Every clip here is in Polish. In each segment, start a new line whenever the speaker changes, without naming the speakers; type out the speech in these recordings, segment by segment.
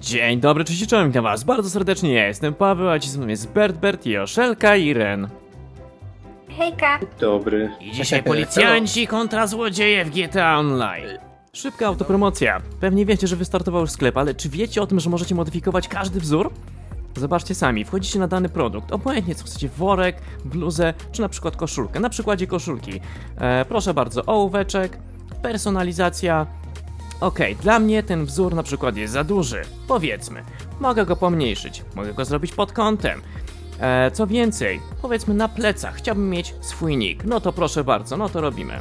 Dzień dobry, cześć i czołem, witam was bardzo serdecznie, ja jestem Paweł, a dziś ze mną jest Bert, Joszelka i Ren.
Hejka!
Dobry.
I dzisiaj policjanci kontra złodzieje w GTA Online. Szybka autopromocja. Pewnie wiecie, że wystartował już sklep, ale czy wiecie o tym, że możecie modyfikować każdy wzór? Zobaczcie sami, wchodzicie na dany produkt, obojętnie co chcecie, worek, bluzę, czy na przykład koszulkę. Na przykładzie koszulki. Proszę bardzo, ołóweczek, personalizacja. Okej, dla mnie ten wzór na przykład jest za duży, powiedzmy. Mogę go pomniejszyć, mogę go zrobić pod kątem. Co więcej, powiedzmy na plecach, chciałbym mieć swój nick. No to proszę bardzo, no to robimy.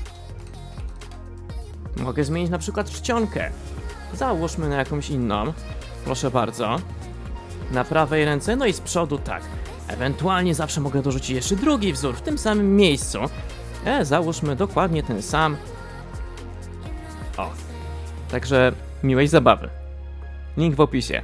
Mogę zmienić na przykład czcionkę. Załóżmy na jakąś inną. Proszę bardzo. Na prawej ręce, no i z przodu tak. Ewentualnie zawsze mogę dorzucić jeszcze drugi wzór w tym samym miejscu. Załóżmy dokładnie ten sam. O. Także miłej zabawy. Link w opisie.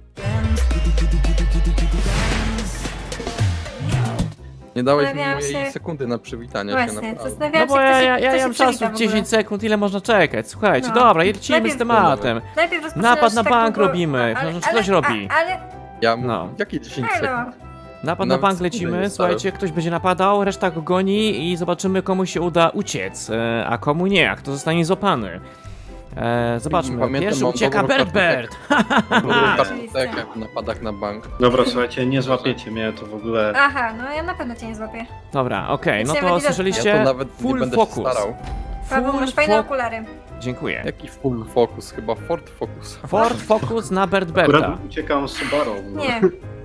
Nie dałeś mi
Zastanawiałam
mojej
się-
sekundy na przywitanie się,
Właśnie,
naprawdę.
No
zastanawiałam
bo
się,
ja
kto się
mam czasu
przywita w ogóle.
10 sekund, ile można czekać? Słuchajcie,
No.
dobra, lecimy z
Najpierw-
tematem.
Najpierw rozpoczynasz
Napad na
tak
bank
długo-
robimy,
ale-
ktoś robi.
Ale,
Ja
No.
Jakie 10
halo.
sekund?
Napad na
Nawet
bank
sekundy
lecimy,
nie
słuchajcie, ktoś będzie napadał, reszta go goni i zobaczymy komu się uda uciec, a komu nie, a kto zostanie złapany. Zobaczmy,
Pamiętam,
pierwszy
mam
ucieka
dobrą
Bert.
Kartotekę w napadach na bank.
Dobra, słuchajcie, nie złapiecie mnie, to w ogóle...
Aha, no ja na pewno cię nie złapię.
Dobra, okej, no
Się
to
będzie
Ja
słyszeliście?
to nawet nie
Full
będę
focus.
się starał.
Paweł,
Full
masz fajne
focus.
okulary.
Dziękuję.
Jaki full focus? Chyba Ford Focus.
Ford Focus na Berta.
Akurat uciekam z Subaru. No.
Nie,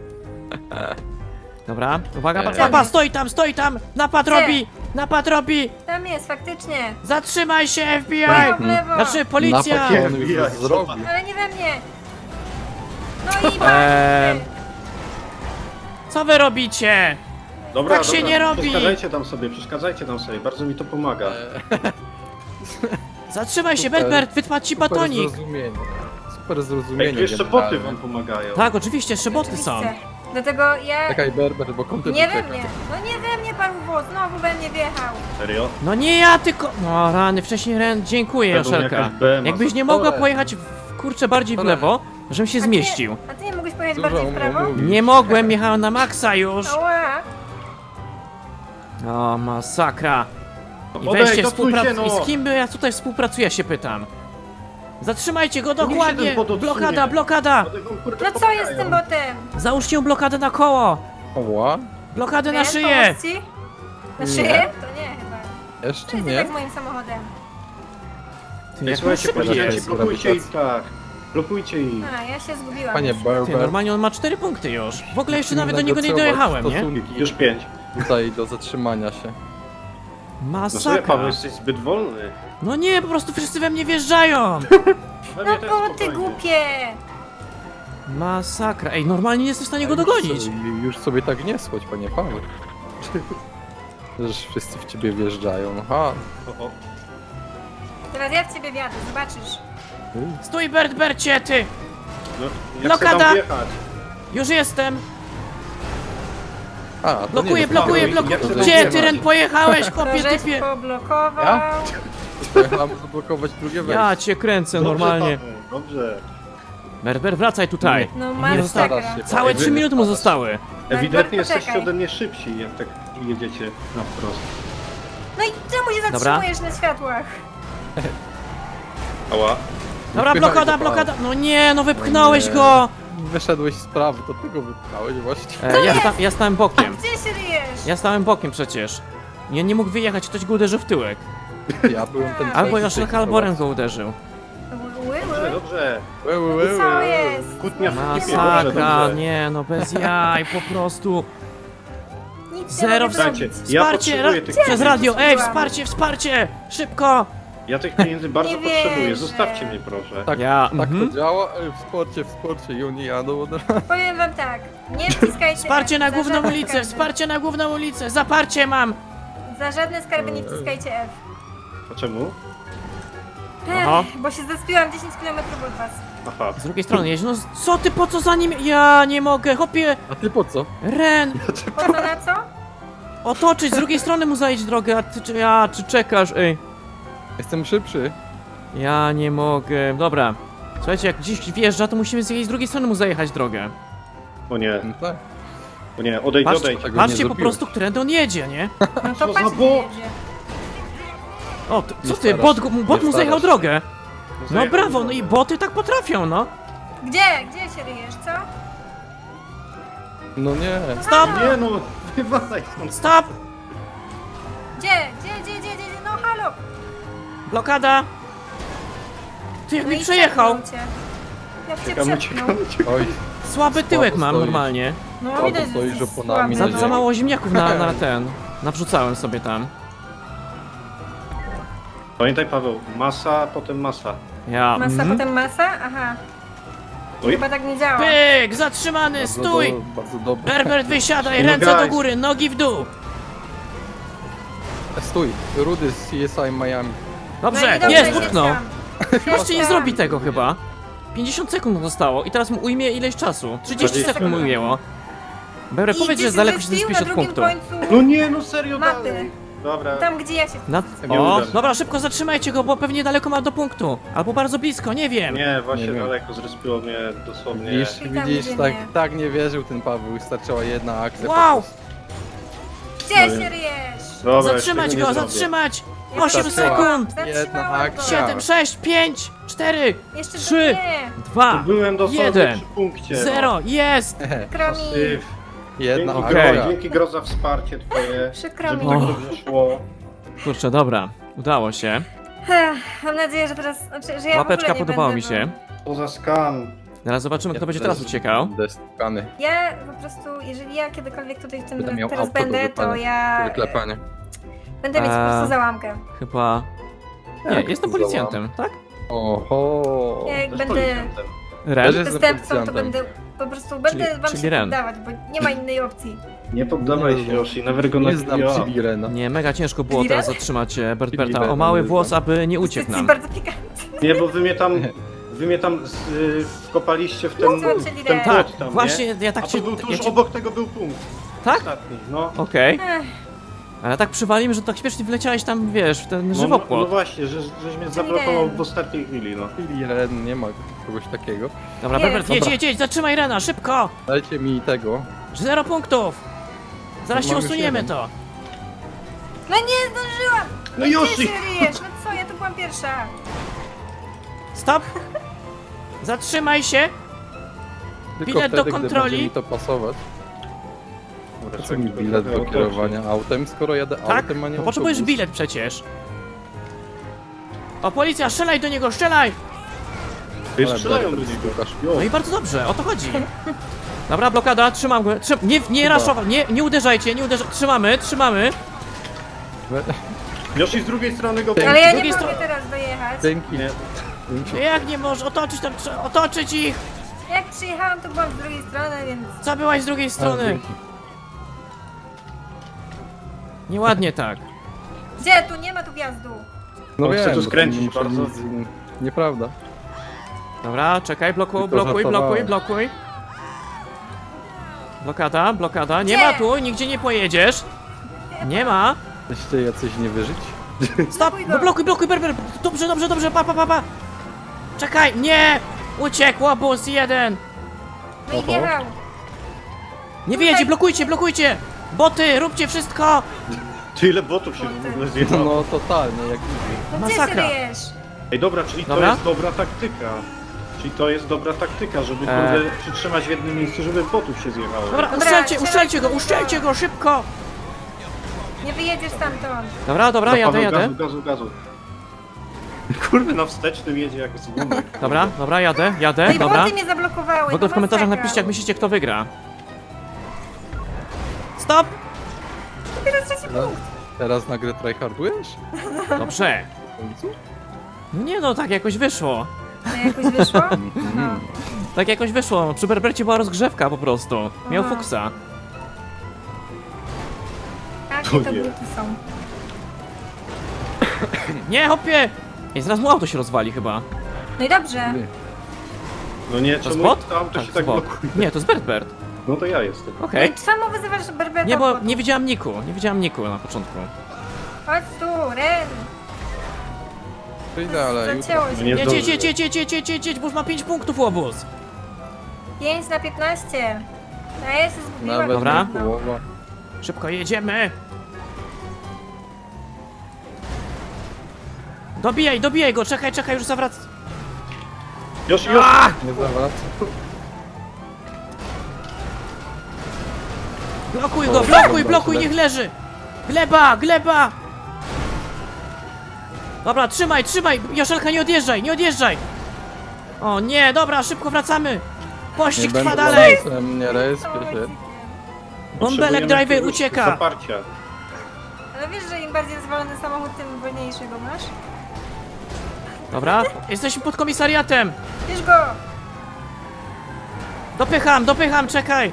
Dobra, uwaga,
Gdzie?
papa, stoi tam, napad robi,
tam jest, faktycznie.
zatrzymaj się FBI,
Prawo, w lewo.
znaczy policja.
Napad on już
Nie,
zrobił.
Ale nie we mnie. No i
Eee,
właśnie.
Co wy robicie?
Dobra,
Tak się nie robi.
Przeszkadzajcie tam sobie, bardzo mi to pomaga.
Zatrzymaj się,
Super.
Bert, wytłacz ci
Super
batonik.
zrozumienie. Super
Ej,
zrozumienie.
tu jeszcze
generalnie.
boty wam pomagają.
Tak, oczywiście, jeszcze boty są.
Oczywiście. Dlatego ja...
Czekaj, Berber, bo kontent
Nie we
ucieka.
mnie. No nie we mnie, pan Włos, znowu we mnie wjechał.
Serio?
No nie ja, tylko... No rany, wcześniej Ren, dziękuję
Będą
Joszelka.
jakaś BMA
Jakbyś nie
za
mogła
pole.
pojechać, kurczę, bardziej w lewo, żebym się zmieścił.
A ty nie mogłeś pojechać
Dużo
bardziej w prawo?
mówisz.
Nie mogłem, jechałem na maksa już.
Ała.
O, masakra. I
Odejdź,
weźcie
odsuń się,
I z kim by ja tutaj współpracuję, się pytam. Zatrzymajcie go
niech się
dokładnie!
ten bot odsunie.
Blokada!
One wam, kurde,
No co
pomagają.
jest z tym botem?
Załóżcie mu blokadę na koło!
Oła?
Blokadę na
Ren,
szyję!
pomóc ci? Na
Nie.
szyję? To nie chyba.
Jeszcze
To jest
nie?
tak z moim samochodem.
Ty,
Ej,
jak
słuchajcie,
szybki
policjanci,
jest.
blokujcie ich tak. Blokujcie ich.
A, ja się zgubiłam.
Panie
już.
Ty,
Berber.
normalnie on ma 4 punkty już. W ogóle jeszcze nawet do
musimy
niego nie dojechałem, nie?
negocjować stosunki
Już 5.
Tutaj do zatrzymania się.
No sobie,
Masakra.
Paweł, jesteś zbyt wolny.
No nie, po prostu wszyscy we mnie wjeżdżają!
We
No
mnie też
boty
spokojnie.
głupie!
Masakra. Ej, normalnie nie jestem w stanie go dogonić.
Już sobie tak nie schodź, panie Paweł. Że wszyscy w ciebie wjeżdżają. Aha.
O.
Teraz ja w ciebie wjadę, zobaczysz.
Stój, Bercie, ty!
No, jak
Blokada.
chcę tam wjechać?
Już jestem!
A, to
Blokuję,
nie
blokuję,
Paweł,
blokuję!
jak się
Gdzie
tam
ty, Ren, pojechałeś,
To
kopie,
żeś
typie?
poblokował.
Ja? Pojechałem zablokować drugie wejście.
Ja cię kręcę
Dobrze,
normalnie.
Paweł, dobrze.
Berber, wracaj tutaj.
No
Nie
masakra.
starasz się.
Całe 3 minuty mu zostały.
Ewidentnie
poczekaj.
jesteście ode mnie szybsi, jak tak jedziecie na wprost.
No i czemu się
Dobra.
zatrzymujesz na światłach?
Ała.
Dobra,
Wypychaj
blokada,
go,
blokada. No nie, no wypchnąłeś
Nie.
go.
Wyszedłeś z prawy, to ty go wypchałeś właśnie.
Ja stałem bokiem.
Gdzie się ryjesz?
Ja stałem bokiem przecież. Nie mógł wyjechać, ktoś go uderzył w tyłek.
Ja byłem ten
Albo
trzeci
Joszelka,
tej
albo Ren
sytuacji.
go uderzył.
Dobrze, dobrze.
Co jest?
Kłótnia w ekipie, dobrze,
Masakra,
dobrze.
nie no, bez jaj, po prostu.
Nic
Zero
nie mogę
Słuchajcie,
zrobić.
ja
Wsparcie,
potrzebuję tych
przez
pieniędzy.
radio, ej,
Zrobiłam.
wsparcie, szybko.
Ja tych pieniędzy bardzo
Nie
potrzebuję,
wierzę.
zostawcie mnie proszę.
Tak,
Ja,
tak
mhm.
to działa, w sporcie i oni jadą od razu.
Powiem wam tak, nie wciskajcie
Wsparcie na
F, za
główną
żadne
ulicę,
skarby.
wsparcie na główną ulicę, zaparcie mam.
Za żadne skarby nie wciskajcie F.
A czemu?
Aha.
Bo się zespiłam 10 km od was.
Aha.
Z drugiej strony jeźdź, no co ty, po co za nim? Ja nie mogę, hopie,
A ty po co?
Ren,
Po co na co?
otoczyć, z drugiej strony mu zajdź drogę, a ty, czy czekasz, ej.
Jestem szybszy.
Ja nie mogę, dobra. Słuchajcie, jak gdzieś wjeżdża, to musimy z jej z drugiej strony mu zajechać drogę.
O nie,
No tak.
o nie, odejdź,
Patrzcie,
odejdź.
Tego
patrzcie
nie
po
zrobiłeś.
prostu, którędy on jedzie, nie?
No
Co
to
za
patrz, gdzie
bot?
jedzie.
O, co ty,
starasz
bot,
się,
bot
nie
mu zajechał
starasz
drogę. No
Zajechał
brawo, no
drogę.
i boty tak potrafią, no.
Gdzie? Gdzie się ryjesz, co?
No nie.
Stop,
Nie no, wywalaj stąd.
stop,
Gdzie? No halo!
blokada. Ty jak
No
mi
i
przejechał.
przepchnął cię. Jak cię
Czekam,
przepchnął.
uciekam.
Oj,
Słaby tyłek mam
stoisz.
normalnie.
No
Słabo
widać, że
stoisz
jesteś
oponami
słaby.
na
Za mało ziemniaków na ten. Nawrzucałem sobie tam.
Pamiętaj Paweł, masa, potem masa.
Ja.
Masa,
mhm.
potem masa? Aha.
Oj,
Chyba tak nie działa.
Pyk, zatrzymany, stój.
Bardzo dobrze.
Berbert, wysiadaj,
No
ręce do
guys.
góry, nogi w dół.
Stój, Rudy z CSI Miami.
Dobrze,
No i
jest,
dobrze,
utknął.
jedź
Jeszcze nie
tam.
zrobi tego chyba. 50 sekund mu zostało i teraz mu ujmie ileś czasu. 30
20
sekund mu ujęło. Berbert,
I
powiedz,
gdzie
że
się
daleko się
zespił
zespisz
na
od
drugim
punktu.
końcu
no nie, no serio
mapy.
dalej. Dobra,
Tam, gdzie ja się...
Na...
Nie
O,
uda się.
dobra, szybko zatrzymajcie go, bo pewnie daleko ma do punktu. Albo bardzo blisko, nie wiem.
nie, właśnie
Nie wiem.
daleko zrespiło mnie dosłownie.
Widzisz,
I tam
widzisz,
gdzie
tak,
nie.
tak nie wierzył ten Paweł, wystarczyła jedna akcja.
Wow!
po prostu.
Gdzie
No
się
nie.
ryjesz?
Dobra,
Zatrzymać
jeszcze
go,
nie zrobię.
zatrzymać!
Ja
8
zatrzymałam.
sekund!
Jedna
Zatrzymałam go.
akcja.
7, 6, 5, 4,
Jeszcze
3,
nie.
2,
Byłem dosłownie
1,
przy punkcie.
0, jest!
Kromi.
Syf.
Jedna
Dzięki,
Okej.
Gro, dzięki Gro za wsparcie twoje,
Przykro
żeby
mi.
tak
O.
dobrze szło.
Kurczę, dobra, udało się.
Mam nadzieję, że teraz... Znaczy, że ja w
Łapeczka
ogóle nie
podobało
będę,
mi się.
To za skam.
Teraz zobaczymy, kto będzie teraz uciekał.
Destkany.
Ja po prostu, jeżeli ja kiedykolwiek tutaj w tym
Będę miał
teraz
auto do
będę, to
wypalenia,
ja
Wyklepanie.
będę mieć po prostu załamkę.
Chyba... Nie,
Jak
jestem
to
policjantem, tak?
Oho.
Jak
Też
będę
policjantem.
Ren?
Też jestem
przestępcą, to
policjantem.
będę po prostu będę wam
czyli
się
Ren.
poddawać, bo nie ma innej opcji.
Nie poddawaj się, Yoshi, never gonna
Nie
give
znam
you up.
Chili Rena.
Nie, mega ciężko było
Chili
teraz
Ren?
zatrzymać Bertberta
Chili
o
Ren,
mały
nie
włos,
znam.
aby nie uciekł
Jesteś
nam.
bardzo pikantny.
Nie, bo wy mnie tam wkopaliście w ten,
Włączyli
w ten
Ren.
Tak,
płot tam,
właśnie,
nie?
ja tak
A
cię...
to był tuż
ja cię...
obok tego był punkt.
Tak?
Ostatni, no.
Okej.
Ech,
Ale tak przywalimy, że tak śmiesznie wleciałeś tam, wiesz, w ten
No
żywopłot.
właśnie, żeś mnie zablokował
Ren.
w ostatniej chwili, no.
Chili Ren, nie ma kogoś takiego.
Dobra,
Nie.
Berbert, jedź,
Dobra.
jedź, jedź, zatrzymaj Rena, szybko!
Dajcie mi tego.
0 punktów! Zaraz
No
się
mam już
usuniemy
jeden.
to.
No nie zdążyłam!
No
Gdzie
Yoshi!
się ryjesz? No co, ja tu byłam pierwsza.
Stop! Zatrzymaj się!
Tylko
Bilet do
wtedy,
kontroli.
gdy będzie mi to pasować.
Dobra,
Po co mi
czekaj,
bilet
trochę
do
otoczę.
kierowania autem, skoro jadę
Tak?
autem, a nie
To potrzebujesz
autobus?
bilet przecież. O, policja, strzelaj do niego, strzelaj!
Ty
Ale
strzelają do
Berbert,
niego.
Łukasz.
No i bardzo dobrze, o to chodzi. Dobra, blokada, trzymam go. Nie raszować, nie uderzajcie, nie uderzajcie. Trzymamy, trzymamy.
Yoshi z drugiej strony go...
Ale ja
drugiej
nie mogę
strony-
teraz dojechać.
Dzięki.
Nie.
Jak nie możesz, otoczyć tam, otoczyć ich!
Jak przyjechałam, to byłam z drugiej strony, więc...
Co byłaś z drugiej
A,
strony?
dzięki.
Nieładnie tak.
Gdzie? Tu nie ma tu wjazdu.
No
On chce
wiem,
tu
bo
skręcić
nie muszę
bardzo.
nic- Nieprawda.
Dobra, czekaj, blokuj,
Tylko
blokuj, blokuj,
żartowałem.
blokuj. Blokada, blokada. Nie
Gdzie?
ma tu, nigdzie nie pojedziesz. Nie ma.
Jesteście jacyś niewyżyć?
Stop!
Blokuj go.
No blokuj, blokuj, berber! Dobrze, dobrze, dobrze, pa. Czekaj, nie! Uciekł, łobuz, jeden!
No i
Oho.
wjechał.
Nie wyjedzie, blokujcie, blokujcie! Boty, róbcie wszystko!
Ty ile botów się w ogóle zjechało.
No totalnie, jak nigdy.
No gdzie się
Masakra.
ryjesz?
Ej, dobra, czyli
Dobra.
to jest dobra taktyka. Czyli to jest dobra taktyka, żeby kurde przytrzymać w jednym miejscu, żeby botów się zjechało.
Dobra,
Dobra,
uszczelcie go, szybko!
Nie wyjedziesz stamtąd.
Dobra, dobra,
Za
jadę,
Paweł,
jadę.
Gazu. Kurde, na wstecznym jedzie jak z gumek.
Dobra, dobra, jadę,
No i
dobra.
boty mnie zablokowały.
W ogóle w
no
komentarzach
masakra.
napiszcie, jak myślicie, kto wygra. Stop!
Teraz trzeci punkt.
Teraz nagle tryhardujesz?
Dobrze.
W końcu?
No nie no, tak jakoś wyszło.
No jakoś wyszło? No.
Tak jakoś wyszło. Przy Berbercie była rozgrzewka po prostu. Miał
Aha.
fuksa.
Jakie
To
to
nie.
buty są?
Nie, hopie! I zaraz mu auto się rozwali chyba.
No i dobrze.
No nie,
To jest
czemu
bot?
to auto się
to
tak
jest bot.
blokuje?
Nie, to jest Bertbert.
No to ja jestem.
No
Okej.
i czemu wyzywasz Berberta?
Nie, bo
od
nie widziałam Niku. Nie widziałam Niku na początku.
Chodź tu, Ren.
Przyjdę, ale jutro.
Zacięło się.
Nie
Jedź,
zdąży.
jedź, bo już ma 5 punktów łobuz.
5 na 15. A ja się zgubiłam.
Nawet
Dobra.
nie połowa.
Szybko jedziemy. Dobijaj go, czekaj, już zawraca.
Już!
Nie zawracam.
Blokuj go,
O,
blokuj, niech leży. Gleba. Dobra, trzymaj, Joszelka, nie odjeżdżaj. O nie, dobra, szybko wracamy. Pościg
Nie
trwa
będę
dalej.
lamusem, nie respię się.
Bąbelek driver ucieka.
Zaparcia.
Ale wiesz, że im bardziej rozwalony samochód, tym wolniejszy go masz?
Dobra, jesteśmy pod komisariatem.
Bierz go!
Dopycham, czekaj.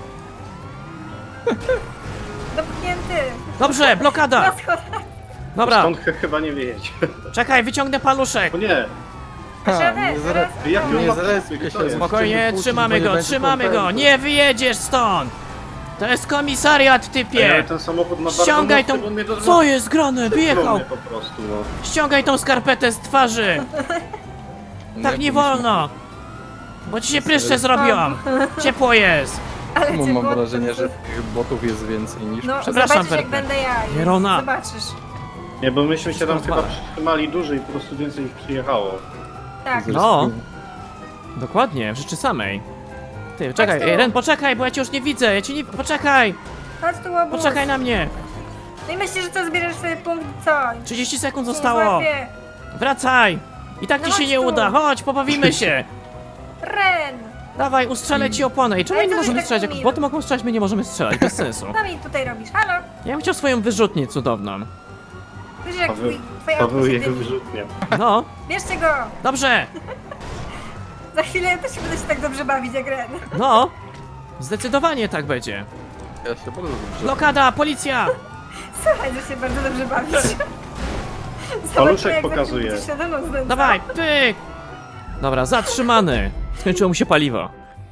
Dopchnięty!
Dobrze, blokada.
Na schodach.
Dobra,
Stąd chyba nie wyjedzie.
czekaj, wyciągnę paluszek.
O nie!
Ha,
Żaden,
nie
zaraz-
Jak
Nie
ją
zrespię się,
to jest?
Spokojnie,
Wypuścić,
trzymamy
bo nie
go,
będzie kontentu.
Nie wyjedziesz stąd. To jest komisariat,
Ej, ale
typie.
ten samochód ma bardzo
Ściągaj
mocny,
tą...
on mnie do-
Co jest grane? Wyjechał.
po prostu, no.
Ściągaj tą skarpetę z twarzy. Tak nie wolno. Bo ci się pryszcze zrobią. Ciepło jest.
Ale
Czemu
cię
mam
było-
wrażenie, że tych botów jest więcej niż...
No,
Przepraszam,
zobaczysz jak
Berber.
będę ja.
Jerona.
Zobaczysz.
Nie, bo myśmy się tam
Wszystko
chyba
zwala.
przytrzymali dłużej i po prostu więcej ich przyjechało.
Tak.
No. Dokładnie, w rzeczy samej. Ty, czekaj,
tu.
Ren, poczekaj, bo ja cię już nie widzę, Poczekaj,
Chodź tu, łobuz.
poczekaj na mnie.
No i myślisz, że co, zbierzesz sobie punkt, co?
30 sekund
Cię
zostało.
złapię.
Wracaj. I tak
No
ci się
chodź
nie
tu.
uda, chodź, pobawimy się.
Ren!
Dawaj, ustrzelę ci oponę. I czemu
Ale
nie
co ty
możemy
tak
strzelać? Jak
miły?
boty mogą strzelać, my nie możemy strzelać, bez sensu.
Co mi tutaj robisz? Halo?
Ja bym chciał swoją wyrzutnię cudowną.
Wiesz jak
Paweł,
twoje
Paweł
auto się
jego
dymi.
wyrzutnia.
No,
Bierzcie go!
dobrze,
Za chwilę ja też będę się tak dobrze bawić jak Ren.
no. Zdecydowanie tak będzie.
Ja się bardzo dobrze...
Blokada, policja.
Słuchaj, że się bardzo dobrze bawisz.
Paluszek
jak
pokazuje.
będziesz świadomą znęcał.
Dawaj, pyk. Dobra, zatrzymany. Skończyło mu się paliwo.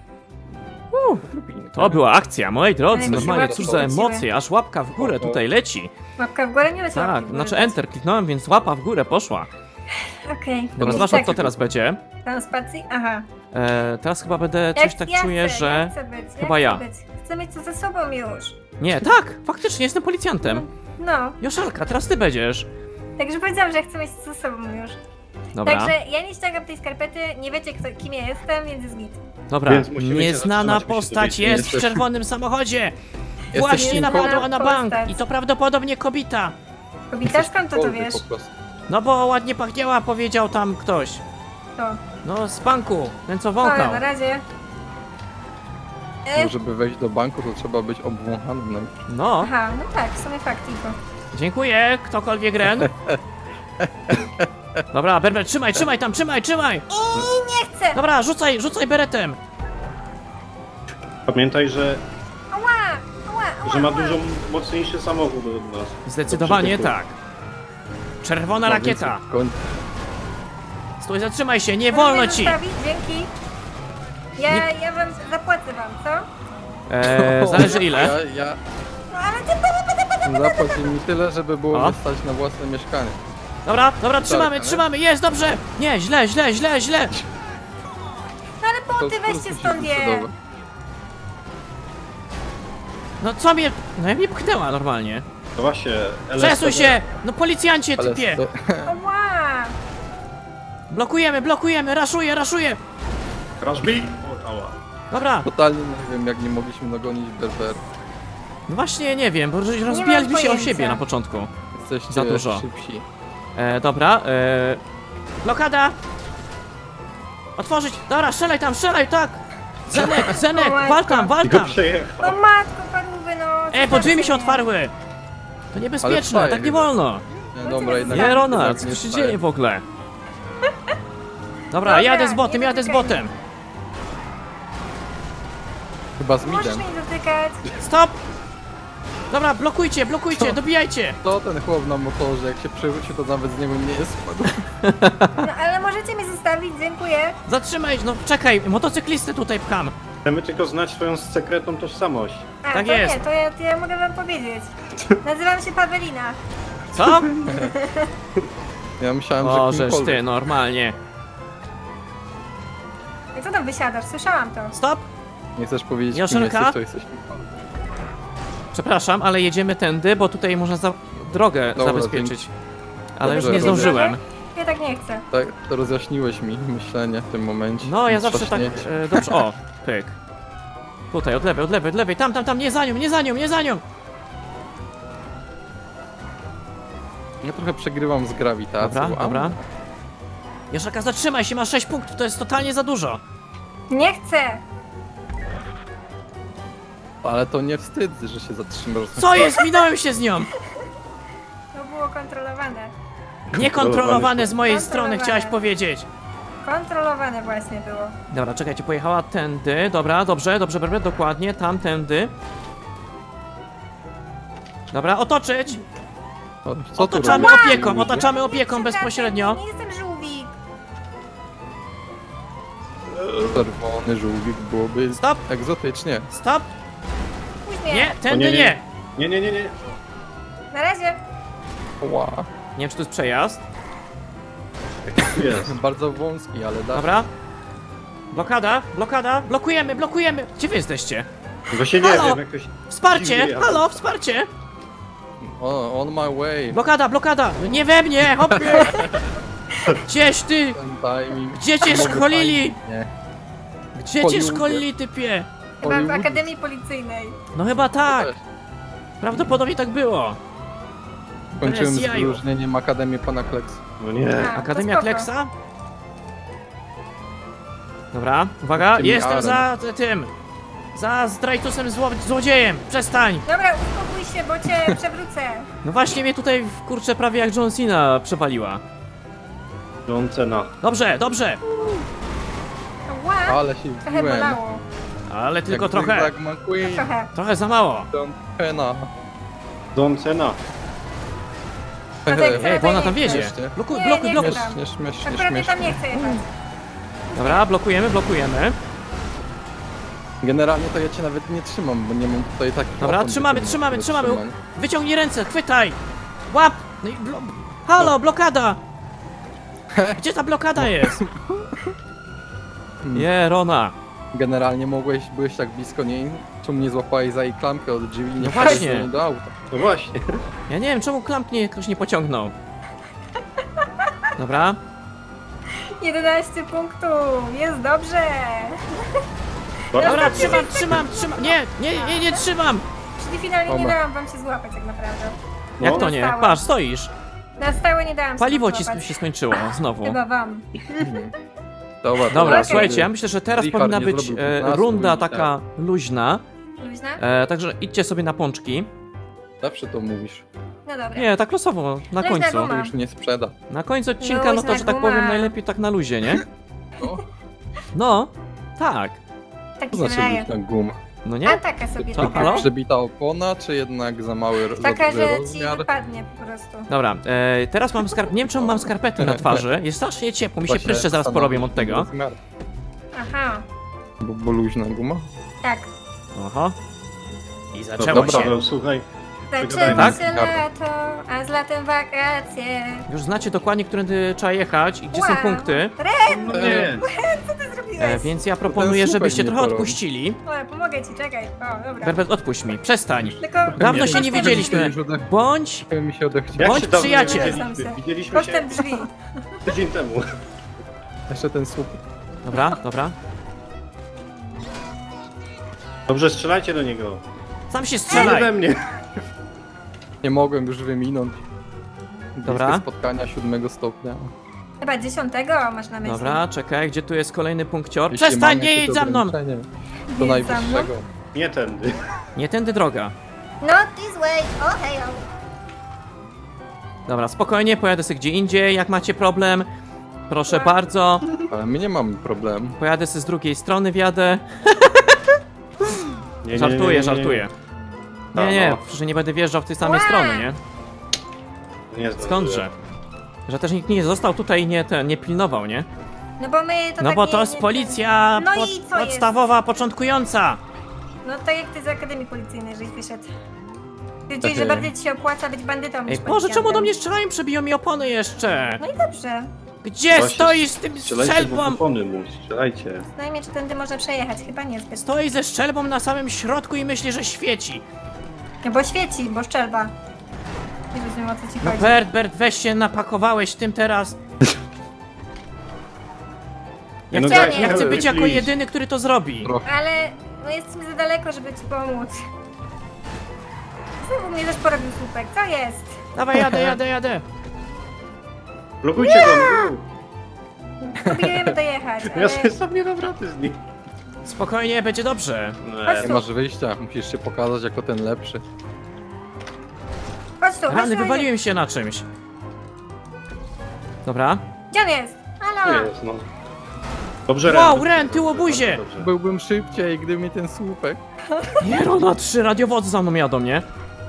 To była akcja, moi drodzy,
Ale mi się
normalnie
łapki
cóż za
kręciły.
emocje, aż łapka w górę tutaj leci.
Łapka w górę nie leci.
Tak,
łapki w górę
znaczy
leci.
Enter kliknąłem, więc łapa w górę poszła.
Okej.
Dobra, zwłaszcza kto teraz będzie.
Tam spacji? Aha.
Teraz chyba będę coś tak czuję,
chcę,
że...
Ja chcę być,
chyba
ja.
ja.
Chcę, być. Chcę mieć to ze sobą już.
Nie, tak, faktycznie jestem policjantem.
No.
Joszalka, teraz ty będziesz.
Także powiedziałam, że chcę mieć to ze sobą już.
Dobra,
Także ja nie ściągam tej skarpety, nie wiecie kim ja jestem, więc jest git.
dobra.
Więc musimy się
Nieznana
zatrzymać, bo się
postać
tutaj
jest w
jesteś-
czerwonym samochodzie.
Jesteś
Właśnie
kim?
napadła na bank
Postać.
i to prawdopodobnie kobita.
Kobita, skąd to
Kolby
wiesz?
po prostu.
No bo ładnie pachniała, powiedział tam ktoś.
To.
No z banku, ten co
Dobra,
wąchał.
na razie.
No, żeby wejść do banku, to trzeba być obwąchanym najpierw.
No,
Aha, no tak, w sumie fakt tylko.
dziękuję, ktokolwiek Ren. Dobra, Berber, trzymaj tam, trzymaj!
Nie chcę!
Dobra, rzucaj beretem.
Pamiętaj, że
Ała!
ma dużo mocniejszy samochód od nas.
Zdecydowanie
Do przytyku.
tak. Czerwona
No,
rakieta.
więc w końcu-
Stój, zatrzymaj się, nie
Możesz
wolno
mnie
ci.
zostawić? Dzięki. Ja wam zapłacę wam, co?
Zależy ile.
Ja
No ale ty...
zapłać mi tyle, żeby było
O.
wystać na własne mieszkanie.
Dobra,
ale-
trzymamy, jest, dobrze. Nie, źle.
No ale
To
punkty weźcie
sposób
stąd je.
cudowy.
No co mnie... No jak mnie pchnęła normalnie.
To właśnie,
Przesuń się! No policjancie,
Ale
typie!
to,
Ała!
Blokujemy, raszuję!
Crashby! O, ała.
Dobra,
totalnie nie wiem, jak nie mogliśmy dogonić Berber.
no właśnie nie wiem, bo rozbijaliśmy się o
pojęcia.
siebie na początku.
Jesteście
Za dużo.
szybsi.
Dobra, blokada! Otworzyć! Dobra, strzelaj tam, tak! Zenek,
O
wal tam!
Go przejechał.
No matko, parówy, no.
Bo drzwi mi się otwarły! To niebezpieczne,
Ale
tak nie
chyba.
wolno!
Nie, dobra, jednak
Nie, Ronald,
jednak
co
nie
się
wstaję.
dzieje w ogóle? Dobra,
Dobra,
jadę z botem,
nie
jadę z
dotykaj
botem!
Chyba z
Możesz
midem.
mnie dotykać.
Stop! Dobra, blokujcie, dobijajcie!
To ten chłop na motorze, jak się przewróci, to nawet z niego nie jest spadł.
No ale możecie mnie zostawić, dziękuję.
Zatrzymaj, no czekaj, motocyklistę tutaj pcham.
Chcemy tylko znać swoją sekretną tożsamość.
A,
Tak
to
jest.
nie, to ja mogę wam powiedzieć. Nazywam się Pawelina.
Co?
Ja myślałem, że
Możesz
kimkolwiek.
ty, normalnie.
Jak co tam wysiadasz? Słyszałam to.
Stop!
Nie chcesz powiedzieć, kim
Joszelka?
jesteś, to jesteś kimkolwiek.
Przepraszam, ale jedziemy tędy, bo tutaj można drogę
Dobra,
zabezpieczyć. Ale już
Dobrze,
nie
dobrze.
zdążyłem.
Ja tak nie chcę.
Tak, to rozjaśniłeś mi myślenie w tym momencie.
No, ja zawsze tak...
Trzaśnięcie.
dobrze, o, pyk. Tutaj, od lewej, tam, nie za nią!
Ja trochę przegrywam z grawitacją.
Dobra, dobra. Joszelka, zatrzymaj się, masz 6 punktów, to jest totalnie za dużo.
Nie chcę!
Ale to nie wstyd, że się zatrzymasz.
Co jest? Minąłem się z nią!
To było kontrolowane.
Niekontrolowane z mojej strony,
Kontrolowane.
chciałaś powiedzieć.
Kontrolowane właśnie było.
Dobra, czekajcie, pojechała tędy. Dobra, dobrze, dokładnie, tamtędy. Dobra, otoczyć!
O, co tu
Otaczamy
robisz?
opieką, otaczamy opieką
Przepraszam,
bezpośrednio.
Nie jestem żółwik.
Czerwony żółwik byłoby
Stop!
egzotycznie.
Stop!
Później.
Nie, tędy
O,
nie!
Nie.
Na razie.
Ła.
Nie wiem, czy to jest przejazd.
Jest.
Bardzo wąski, ale da.
Dobra. Blokada, blokujemy! Gdzie wy jesteście?
Właśnie nie
Halo?
wiem, jakoś...
Wsparcie!
dziwnie, ale-
Halo, wsparcie!
O, on my way.
Blokada! Nie we mnie, hopie! Gdzieś ty?
Ten timing.
Gdzie cię
Mogę
szkolili?
fajnie. Nie.
Gdzie cię
Hollywood.
szkolili, typie?
Chyba w
Hollywood.
Akademii Policyjnej.
No chyba tak.
Też.
Prawdopodobnie tak było.
Kończyłem
Bez
z
jaju.
wyróżnieniem Akademię Pana Kleksa.
No nie.
A,
Akademia
to spoko.
Kleksa? Dobra, uwaga,
Tym
jestem
Aaron.
za tym. Za zdrajcusem złodziejem. Przestań.
Dobra, uspokój się, bo cię przewrócę.
No właśnie mnie tutaj, kurczę, prawie jak John Cena przewaliła.
John Cena.
Dobrze,
Ła,
Ale się
trochę
wbiłem.
bolało.
ale tylko
Jak
trochę.
Zygzak McQueen.
Trochę.
Trochę za mało.
John Cena.
John Cena.
tak
Ej, bo ona tam
nie
wiedzie.
chcę.
Blokuj,
Nie,
blokuj,
nie
blokuj.
chcę.
Śmiesznie.
Akurat ja tam nie chcę jechać.
Dobra, blokujemy.
Generalnie to ja cię nawet nie trzymam, bo nie mam tutaj takich
Dobra,
opon,
trzymamy.
żeby trzymać.
Wyciągnij ręce, chwytaj. Łap. No i halo, blokada. Gdzie ta blokada jest? Nie, Rona.
Generalnie byłeś tak blisko niej, czemu nie złapałeś za jej klamkę od drzwi i nie
No
wpadłeś
właśnie.
z nią do auta.
No właśnie.
Ja nie wiem, czemu klamp ktoś nie pociągnął. Dobra.
11 punktów, jest dobrze.
Dobra, trzymam. Nie trzymam.
Czyli finalnie nie
Oma.
dałam wam się złapać tak naprawdę.
Jak to nie?
Zostałam.
Patrz, stoisz.
Na stałe nie dałam
Paliwo
się
ci
złapać.
się skończyło, znowu.
Chyba wam.
Dobra,
Okej.
słuchajcie, ja myślę, że teraz
Richard
powinna
nie
być
zrobił 15
runda
minut,
taka luźna.
Luźna?
Także idźcie sobie na pączki.
Zawsze to mówisz.
No dobra.
Nie, tak losowo, na
Luźna
końcu.
guma.
To już nie sprzeda.
Na końcu odcinka, no to,
Luźna
że tak
guma.
powiem, najlepiej tak na luzie, nie?
No,
No, tak.
Tak
to
mi się
znaczy
wydaje.
być na gumę.
No
A
nie?
taka sobie
Co?
taka.
Halo?
Przebita opona, czy jednak za mały
Taka,
za
że
duży
ci
rozmiar?
wypadnie po prostu.
Dobra, teraz mam nie wiem czemu mam skarpety na twarzy. Jest strasznie ciepło, mi się
Właśnie
pryszcze zaraz
stanowi
porobią od tego.
rozmiar.
Aha,
Bo luźna guma?
tak.
Oho. I zaczęło
Dobra,
się.
Paweł, słuchaj.
Zaczyna
Tak?
się lato, a z latem wakacje.
Już znacie dokładnie, którędy trzeba jechać i gdzie są
Wow.
punkty.
No nie.
Co ty zrobiłeś?
Więc ja proponuję,
słupek
żebyście
nie
trochę
porobi.
odpuścili.
O, pomogę ci, czekaj. O, dobra.
Berbet, odpuść mi, przestań.
Tylko
Dawno się nie
postęp
widzieliśmy.
Już
Bądź
mi się odechciało.
Jak
Bądź
się dawno nie
przyjaciel.
widzieliśmy? Widzieliśmy się
Postęp drzwi.
tydzień temu.
Jeszcze ten słup.
Dobra.
Dobrze, strzelajcie do niego.
Sam się
Nie
strzelaj.
we mnie.
Nie mogłem już wyminąć.
Dobra.
Bliskie spotkania 7 stopnia.
Chyba 10 masz na myśli.
Dobra, czekaj, gdzie tu jest kolejny punkcior?
Jeśli
Przestań,
mam
nie
jakieś
jedź za mną!
ograniczenie,
Nie
To
jedź za mną?
najwyższego.
Nie tędy.
Nie tędy droga.
Not this way. Oh, hejo.
Dobra, spokojnie, pojadę sobie gdzie indziej, jak macie problem. Proszę
Tak.
bardzo,
Ale my nie mamy problemu.
pojadę sobie z drugiej strony, wjadę.
Nie,
Żartuję. Nie,
No.
że nie będę wjeżdżał w tej samej strony, nie?
Nie zdążyłem.
Skądże? Że też nikt nie został tutaj i nie pilnował, nie?
No bo my to
No
tak
bo
nie,
to jest
nie-
policja
No i co jest?
podstawowa, początkująca.
No tak jak ty z Akademii Policyjnej, żeś wyszedł. Wiedzieli, że bardziej ci się opłaca być bandytą
Ej,
niż
Boże,
policjantem.
czemu do mnie strzelają? Przebiją mi opony jeszcze.
No i dobrze.
Gdzie
Właśnie,
stoisz z tym
Strzelajcie,
strzelbą?
bo opony mu, strzelajcie.
Znajmie, czy tędy można przejechać. Chyba niezbyt.
Stoi ze strzelbą na samym środku i myśli, że świeci.
No bo świeci, bo szczelba. Nie rozumiem, o co ci
No
chodzi.
Bert, weź się napakowałeś tym teraz. Ja
No
chcę,
daj,
ja chcę
daj,
być jako
please.
jedyny, który to zrobi.
Ale no jest mi za daleko, żeby ci pomóc. Znowu mnie też porobił słupek. Co jest?
Dawaj, jadę.
Blokujcie go!
Próbujemy dojechać,
Ja
ale...
sobie sam nie dam rady z nim.
Spokojnie, będzie dobrze.
Chodź
Nie
tu,
masz wyjścia, musisz się pokazać jako ten lepszy.
chodź tu, chodź
Rany,
tu.
wywaliłem się na czymś. Dobra.
Gdzie on jest?
To
Halo!
jest, no. Dobrze,
Wow, Ren, tyłobuzie!
Dobrze.
Byłbym szybciej, gdyby mi ten słupek.
Nie, Rona, 3 radiowozy za mną jadą, nie?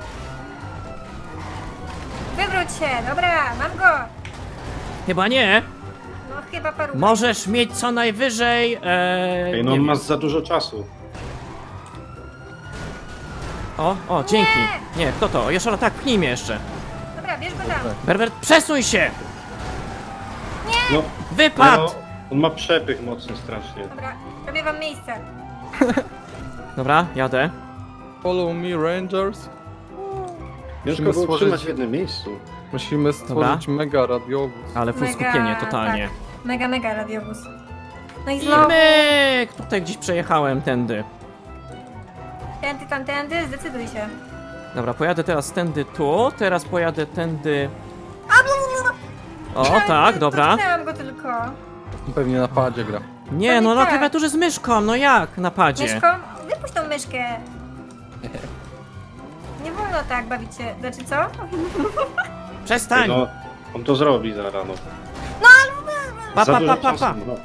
Wywróć się, dobra, mam go!
Chyba nie.
No chyba paru.
Możesz mieć co najwyżej...
Ej, no
nie
on
wiem.
ma za dużo czasu.
O, dzięki. Nie, kto to? Jeszora, tak, pchnij mnie jeszcze.
Dobra, bierz go tam.
Berbert, przesuń się!
No,
Wypadł!
no, on ma przepych mocny strasznie.
Dobra, robię wam miejsce.
Dobra, jadę.
Follow me, Rangers.
Ciężko
Musimy
było
stworzyć-
trzymać w jednym miejscu.
Musimy stworzyć mega radiowóz.
Ale full skupienie totalnie.
Tak, mega radiowóz. No i
I
znowu.
myk! Tutaj gdzieś przejechałem tędy.
Tędy, tamtędy, zdecyduj się.
Dobra, pojadę teraz tędy tu, teraz pojadę tędy... O, tak, dobra.
Dotknęłam go tylko.
Pewnie na padzie gra.
Nie, no na
tak.
klawiaturze z myszką, no jak na padzie?
Myszką, wypuść tą myszkę. Nie wolno tak bawić się. Znaczy co?
Przestań!
No, on to zrobi za rano.
Pa,
Za
pa,
dużo
pa, pa,
czasu,
pa.
no.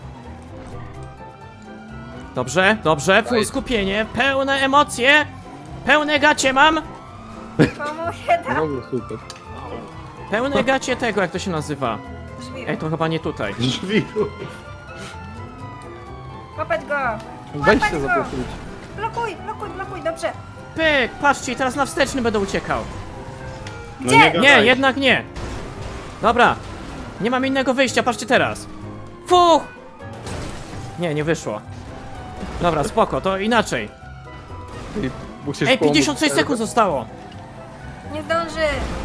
Dobrze, full skupienie, pełne emocje, pełne gacie mam,
Pomogę tam.
Znowu słupek.
pełne gacie tego, jak to się nazywa.
Drzwi.
Ej, to chyba nie tutaj.
Drzwi.
Łapać go.
Weź
Łapać
się
go.
zablokuj.
Blokuj, dobrze.
Pyk, patrzcie, teraz na wsteczny będę uciekał.
No
Gdzie?
nie,
Nie,
gadaj.
jednak nie. Dobra, nie mam innego wyjścia, patrzcie teraz. Fuch! Nie, nie wyszło. Dobra, spoko, to inaczej.
I musisz
Ej,
pomóc.
56 sekund zostało.
Nie zdąży.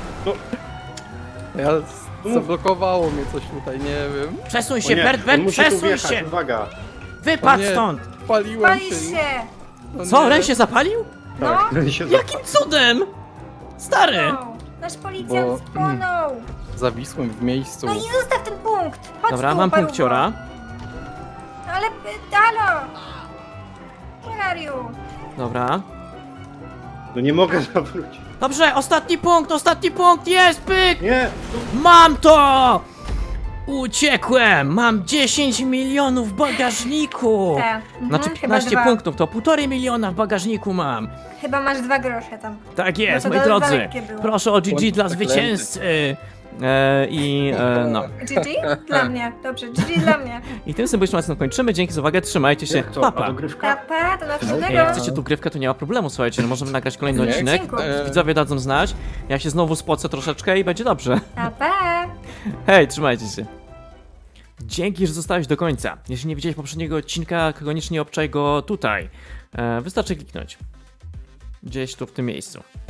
Ja zablokowało mnie coś tutaj, nie wiem.
Przesuń
O
się,
nie,
Bert,
on musi tu
przesuń
wjechać,
się.
uwaga.
Wypadł
O nie.
stąd.
Paliłem
Palisz
się.
się.
No
Co,
nie.
Ren się zapalił?
No.
Tak, ten się
Jakim cudem? Stary.
No. Nasz policjant
Bo-
spłonął.
Zawisłem w miejscu.
No i zostaw ten punkt. Chodź
Dobra,
tu,
mam
paruwo.
punkciora.
Ale, halo. Where are you?
Dobra.
No nie mogę zawrócić.
Dobrze, ostatni punkt, jest, pyk!
Nie!
Mam to! Uciekłem! Mam 10 milionów w bagażniku!
Tak.
Znaczy
chyba
15
dwa.
punktów, to 1,5 miliona w bagażniku mam.
Chyba masz 2 grosze tam.
Tak jest,
No to
moi drodzy.
lekkie było.
Proszę o GG
Bądź
dla
zaklęty.
zwycięzcy. No.
GG? Dla mnie. Dobrze, GG dla mnie.
I tym symbolicznym kończymy. Dzięki za uwagę, trzymajcie się.
Jak to?
Pa,
A
pa.
dogrywka?
Papa, to następnego.
Jak chcecie tu grywkę, to nie ma problemu, słuchajcie, no możemy nagrać kolejny
Nie,
odcinek.
dziękuję.
Widzowie dadzą znać. Ja się znowu spocę troszeczkę i będzie dobrze.
Papa.
Hej, trzymajcie się. Dzięki, że zostałeś do końca. Jeśli nie widziałeś poprzedniego odcinka, koniecznie obczaj go tutaj. Wystarczy kliknąć. Gdzieś tu w tym miejscu.